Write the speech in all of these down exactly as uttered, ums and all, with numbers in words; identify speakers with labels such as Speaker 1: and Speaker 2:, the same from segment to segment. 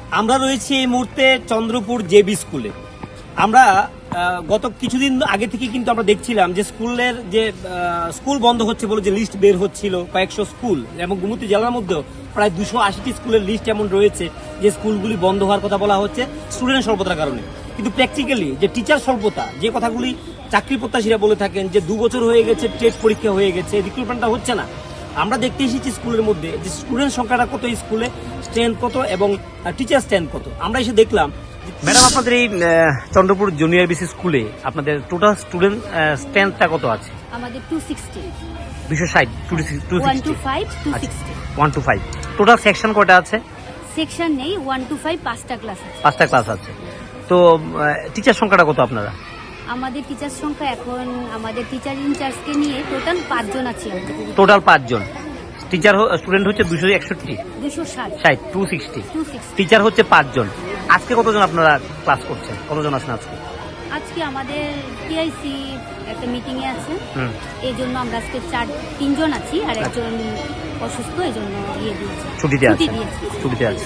Speaker 1: আমরা রয়েছি এই মুহূর্তে চন্দ্রপুর জেবি স্কুলে। আমরা গত কিছুদিন আগে থেকে কিন্তু আমরা দেখছিলাম যে স্কুলের যে স্কুল বন্ধ হচ্ছে বলে যে লিস্ট বের হচ্ছিল কয়েকশো স্কুল, এবং গোমতী জেলার মধ্যেও প্রায় দুশো আশিটি স্কুলের লিস্ট এমন রয়েছে যে স্কুলগুলি বন্ধ হওয়ার কথা বলা হচ্ছে স্টুডেন্ট স্বল্পতার কারণে। কিন্তু প্র্যাকটিক্যালি যে টিচার স্বল্পতা, যে কথাগুলি চাকরি প্রত্যাশীরা বলে থাকেন যে দু বছর হয়ে গেছে, টেট পরীক্ষা হয়ে গেছে, রিক্রুটমেন্টটা হচ্ছে না। আমরা দেখতে এসেছি স্কুলের মধ্যে যে স্টুডেন্ট সংখ্যাটা কত, স্কুলে স্ট্রেন্থ কত এবং টিচার স্ট্রেন্থ কত। আমরা এসে দেখলাম। ম্যাডাম, আপনাদের এই চন্দ্রপুর জুনিয়র বিসি স্কুলে আপনাদের টোটাল স্টুডেন্ট স্ট্রেন্থটা কত আছে?
Speaker 2: আমাদের দুশো ষাট
Speaker 1: দুশো ষাট one two five. Total section কয়টা আছে?
Speaker 2: সেকশন নেই, ওয়ান টু ফাইভ পাঁচটা ক্লাস আছে।
Speaker 1: পাঁচটা ক্লাস আছে। তো টিচার সংখ্যাটা কত আপনারা?
Speaker 2: আমাদের টিচার সংখ্যা এখন আমাদের টিচার ইনচার্জকে নিয়ে টোটাল পাঁচজন আছি আমরা।
Speaker 1: টোটাল পাঁচজন। টিচার স্টুডেন্ট হচ্ছে দুশো একষট্টি
Speaker 2: দুশো ষাট
Speaker 1: ষাট টু সিক্সটি টিচার হচ্ছে পাঁচজন। আজকে কতজন আপনারা ক্লাস করছেন? কতজন আছেন আজকে?
Speaker 2: আজকে আমাদের টিআইসি একটা মিটিং এ আছে, এই জন্য আমরা আজকে চার তিনজন আছি, আর একজন অসুস্থ, এই জন্য ইয়ে দিয়েছি,
Speaker 1: ছুটিতে আছে। ছুটিতে আছে।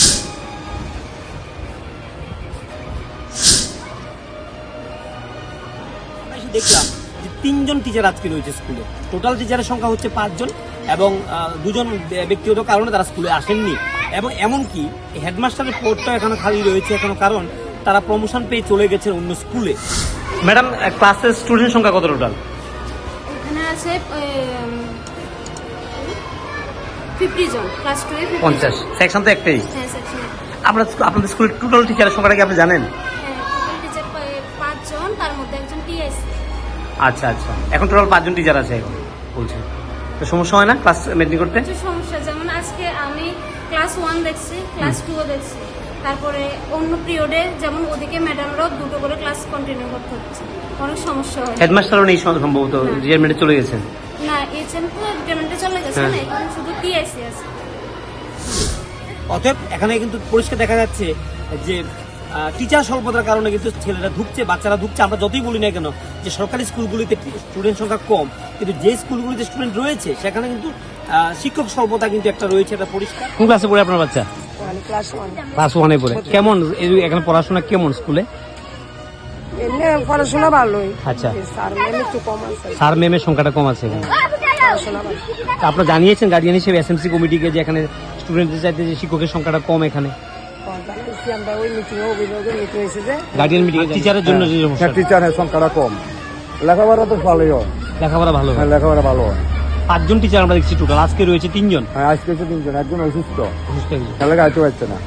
Speaker 1: দেখলাম যে তিনজন টিচার আজকে রয়েছে স্কুলে। টোটাল টিচারের সংখ্যা হচ্ছে পাঁচজন, এবং দুজন ব্যক্তিগত কারণে তারা স্কুলে আসেননি, এবং এমনকি হেডমাস্টারের পদটাও এখনো খালি রয়েছে এখনো, কারণ তারা প্রমোশন পেয়ে চলে গেছেন অন্য স্কুলে। ম্যাডাম, ক্লাসের স্টুডেন্ট সংখ্যা কত টোটাল?
Speaker 3: এখানে আছে পঞ্চাশ জন, ক্লাস টু এ
Speaker 1: পঞ্চাশ। সেকশন তো একটাই।
Speaker 3: হ্যাঁ, সেকশন।
Speaker 1: আপনার আপনাদের স্কুলের টোটাল টিচারের সংখ্যাটা কি আপনি জানেন?
Speaker 3: হ্যাঁ, টোটাল টিচার পাঁচজন, তার মধ্যে একজন টিআইসি।
Speaker 1: আচ্ছা আচ্ছা, এখন টোটাল পাঁচজন টিচার আছে এখন বলছেন। তো সমস্যা হয় না ক্লাস মেনটেন করতে?
Speaker 3: কিছু সমস্যা, যেমন আজকে আমি ক্লাস ওয়ান দেখছি, ক্লাস টু ও দেখছি, তারপরে অন্য পিরিয়ডে যেমন ওদিকে ম্যাডামরাও দুটো করে ক্লাস কন্টিনিউ করতে হচ্ছে, অনেক সমস্যা হয়।
Speaker 1: হেডমাস্টারও নেই সম্ভবত, রিটায়ারমেন্টে চলে গেছেন?
Speaker 3: না, এইচএম তো রিটায়ারমেন্টে চলে গেছে না, এখানে শুধু টিআইসি আছে।
Speaker 1: অতএব এখানে কিন্তু পরিষ্কার দেখা যাচ্ছে যে টিচার স্বল্পতার কারণে কিন্তু ছেলেরা ঢুকছে, বাচ্চারা ঢুকছে। আমরা যতই বলি না কেন যে সরকারি স্কুলগুলিতে স্টুডেন্ট সংখ্যা কম, কিন্তু যে স্কুলগুলিতে স্টুডেন্ট রয়েছে সেখানে কিন্তু শিক্ষক স্বল্পতা কিন্তু একটা রয়েছে, এটা পরিষ্কার। কোন ক্লাসে পড়ে আপনার বাচ্চা? ক্লাস ওয়ানে পড়ে। কেমন এখানে পড়াশোনা কেমন স্কুলে?
Speaker 4: এমনি পড়াশোনা ভালোই।
Speaker 1: আচ্ছা,
Speaker 4: স্যার ম্যাম একটু কম আছে।
Speaker 1: স্যার ম্যামের সংখ্যাটা কম আছে এখানে। আপনারা জানিয়েছেন গার্ডিয়ান হিসেবে এসএমসি কমিটিকে যে এখানে স্টুডেন্টদের চাইতে যে শিক্ষকের সংখ্যাটা কম এখানে? গার্ডিয়ান মিটিং টিচারের জন্য যে সমস্যা,
Speaker 5: টিচারের সংখ্যাটা কম, লেখাপড়া তো ভালোই হয়।
Speaker 1: লেখাপড়া ভালো হয়,
Speaker 5: লেখাপড়া ভালো হয়।
Speaker 1: পাঁচজন টিচার আমরা দেখছি টোটাল। আজকে রয়েছে তিনজন।
Speaker 5: হ্যাঁ, আজকে হচ্ছে তিনজন, একজন অসুস্থ,
Speaker 1: অসুস্থ
Speaker 5: খেলে গাইতে পারছে না।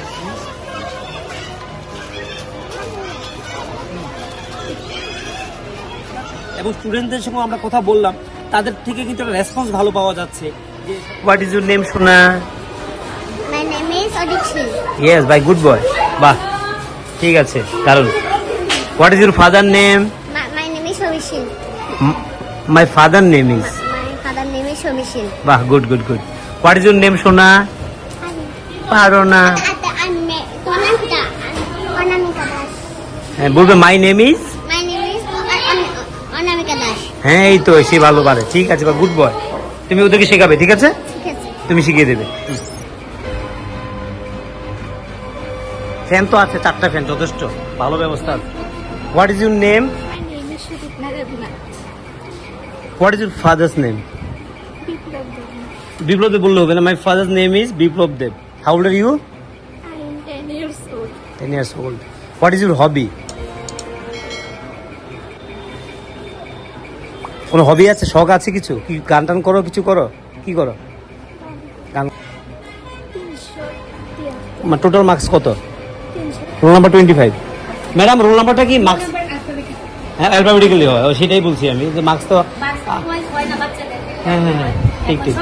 Speaker 1: এবং স্টুডেন্টদের সঙ্গে আমরা কথা বললাম, তাদের থেকে কিন্তু একটা রেসপন্স ভালো পাওয়া যাচ্ছে। হোয়াট ইজ ইউর নেম সোনা?
Speaker 6: My name is Adikshi.
Speaker 1: Yes, bye, good boy. বাহ, ঠিক আছে, কারণ what is your father name?
Speaker 6: My, my name is Shomishil.
Speaker 1: My father name is.
Speaker 6: My father name is Shomishil.
Speaker 1: বাহ, good good good. What is your name সোনা? পারো না?
Speaker 6: Anamika. Anamika Das.
Speaker 1: হ্যাঁ, বলবে my name is.
Speaker 6: My name is Anamika Das.
Speaker 1: হ্যাঁ, এই তো, সে ভালো পারে। ঠিক আছে, বা গুড বয়। তুমি ওদেরকে শেখাবে, ঠিক আছে?
Speaker 6: ঠিক আছে।
Speaker 1: তুমি শিখিয়ে দেবে। ফ্যান তো আছে, চারটা ফ্যান যথেষ্ট, ভালো ব্যবস্থা আছে। What is your name?
Speaker 6: My name is Shudipna Raghunath.
Speaker 1: What is your father's name? Biplab Deb বললে হবে না? My father's name is Biplab Deb. How old are you?
Speaker 6: I am ten years old.
Speaker 1: Ten years old. What is your hobby? কোনো hobby আছে, শখ আছে কিছু? কি গান টান করো, কিছু করো? কি করো? গান। টোটাল মার্কস কত? Roll number twenty five. Madam, roll নাম্বারটা কি? মার্কস হ্যাঁ, অ্যালফাবেটিক্যালি হয়, সেটাই বলছি আমি, যে মার্কস তো। হ্যাঁ হ্যাঁ হ্যাঁ, ঠিক ঠিক।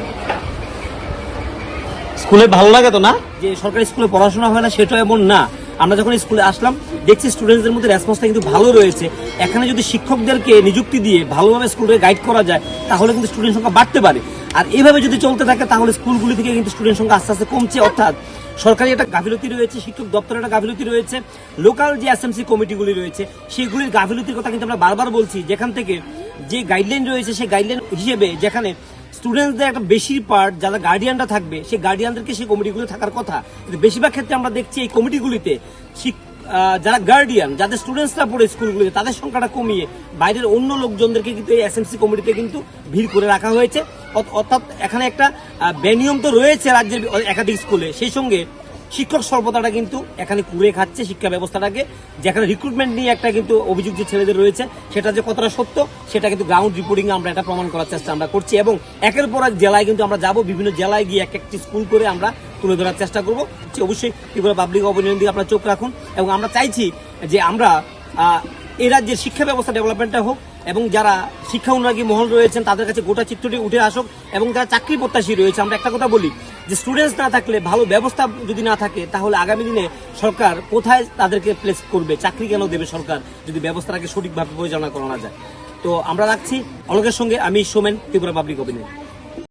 Speaker 1: স্কুলে ভালো লাগে তো না যে সরকারি স্কুলে পড়াশোনা হয় না, সেটা এমন না। আমরা যখন স্কুলে আসলাম দেখছি স্টুডেন্টসদের মধ্যে রেসপন্সটা কিন্তু ভালো রয়েছে। এখানে যদি শিক্ষকদেরকে নিযুক্তি দিয়ে ভালোভাবে স্কুলে গাইড করা যায়, তাহলে কিন্তু স্টুডেন্ট সংখ্যা বাড়তে পারে। আর এভাবে যদি চলতে থাকে তাহলে স্কুলগুলি থেকে কিন্তু স্টুডেন্ট সংখ্যা আস্তে আস্তে কমছে। অর্থাৎ সরকারি একটা গাফিলতি রয়েছে, শিক্ষক দপ্তরের একটা গাফিলতি রয়েছে, লোকাল যে এসএমসি কমিটিগুলি রয়েছে সেগুলির গাফিলতির কথা কিন্তু আমরা বারবার বলছি। যেখান থেকে যে গাইডলাইন রয়েছে সেই গাইডলাইন হিসেবে যেখানে স্টুডেন্টসদের একটা বেশি পার্ট যারা গার্ডিয়ানরা থাকবে সেই গার্ডিয়ানদেরকে সেই কমিটিগুলো থাকার কথা, কিন্তু বেশিরভাগ ক্ষেত্রে আমরা দেখছি এই কমিটিগুলিতে শিক- আহ, যারা গার্ডিয়ান, যাদের স্টুডেন্টসরা পড়ে স্কুলগুলিতে, তাদের সংখ্যাটা কমিয়ে বাইরের অন্য লোকজনদেরকে কিন্তু এই এসএমসি কমিটিতে কিন্তু ভিড় করে রাখা হয়েছে। অর্থ- অর্থাৎ এখানে একটা আহ, বেনিয়ম তো রয়েছে রাজ্যের একাধিক স্কুলে, সেই সঙ্গে শিক্ষক স্বল্পতাটা কিন্তু এখানে কুড়ে খাচ্ছে শিক্ষা ব্যবস্থাটাকে। যেখানে রিক্রুটমেন্ট নিয়ে একটা কিন্তু অভিযোগ যে ছেলেদের রয়েছে, সেটা যে কতটা সত্য সেটা কিন্তু গ্রাউন্ড রিপোর্টিং আমরা এটা প্রমাণ করার চেষ্টা আমরা করছি, এবং একের পর এক জেলায় কিন্তু আমরা যাব, বিভিন্ন জেলায় গিয়ে এক একটি স্কুল করে আমরা তুলে ধরার চেষ্টা করবো। অবশ্যই ত্রিপুরা পাবলিক অপিনিয়ন দিকে আপনারা চোখ রাখুন, এবং আমরা চাইছি যে আমরা আহ, এই রাজ্যের শিক্ষা ব্যবস্থা ডেভেলপমেন্টটা হোক, এবং যারা শিক্ষা অনুরাগী মহল রয়েছেন তাদের কাছে গোটা চিত্রটি উঠে আসুক, এবং যারা চাকরি প্রত্যাশী রয়েছে, আমরা একটা কথা বলি যে স্টুডেন্টস না থাকলে, ভালো ব্যবস্থা যদি না থাকে, তাহলে আগামী দিনে সরকার কোথায় তাদেরকে প্লেস করবে, চাকরি কেন দেবে সরকার যদি ব্যবস্থাটাকে সঠিকভাবে পরিচালনা করা না যায়। তো আমরা রাখছি অলোকের সঙ্গে, আমি সোমেন, ত্রিপুরা পাবলিক অপিনিয়ন।